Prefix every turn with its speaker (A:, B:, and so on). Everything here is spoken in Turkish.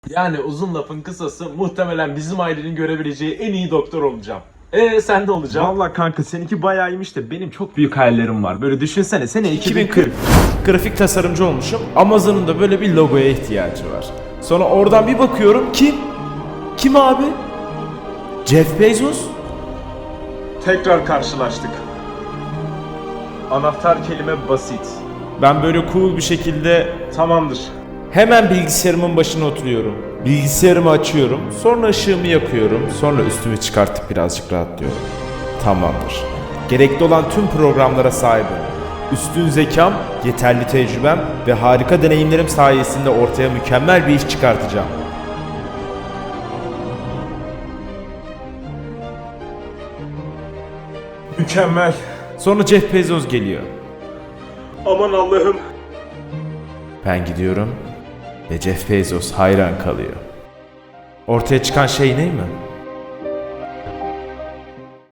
A: Yani uzun lafın kısası muhtemelen bizim ailenin görebileceği en iyi doktor olacağım. Sen de olacaksın.
B: Vallahi kanka seninki bayağı iyiymiş de benim çok büyük hayallerim var. Böyle düşünsene sene
C: 2040. Grafik tasarımcı olmuşum. Amazon'un da böyle bir logoya ihtiyacı var. Sonra oradan bir bakıyorum kim? Kim abi? Jeff Bezos?
B: Tekrar karşılaştık. Anahtar kelime basit.
C: Ben böyle cool bir şekilde
B: Tamamdır.
C: hemen bilgisayarımın başına oturuyorum. Bilgisayarımı açıyorum. Sonra ışığımı yakıyorum. Sonra üstümü çıkartıp birazcık rahatlıyorum. Tamamdır. Gerekli olan tüm programlara sahibim. Üstün zekam, yeterli tecrübem ve harika deneyimlerim sayesinde ortaya mükemmel bir iş çıkartacağım.
B: Mükemmel.
C: Sonra Jeff Bezos geliyor.
B: Aman Allah'ım.
C: Ben gidiyorum ve Jeff Bezos hayran kalıyor. Ortaya çıkan şey ne mi?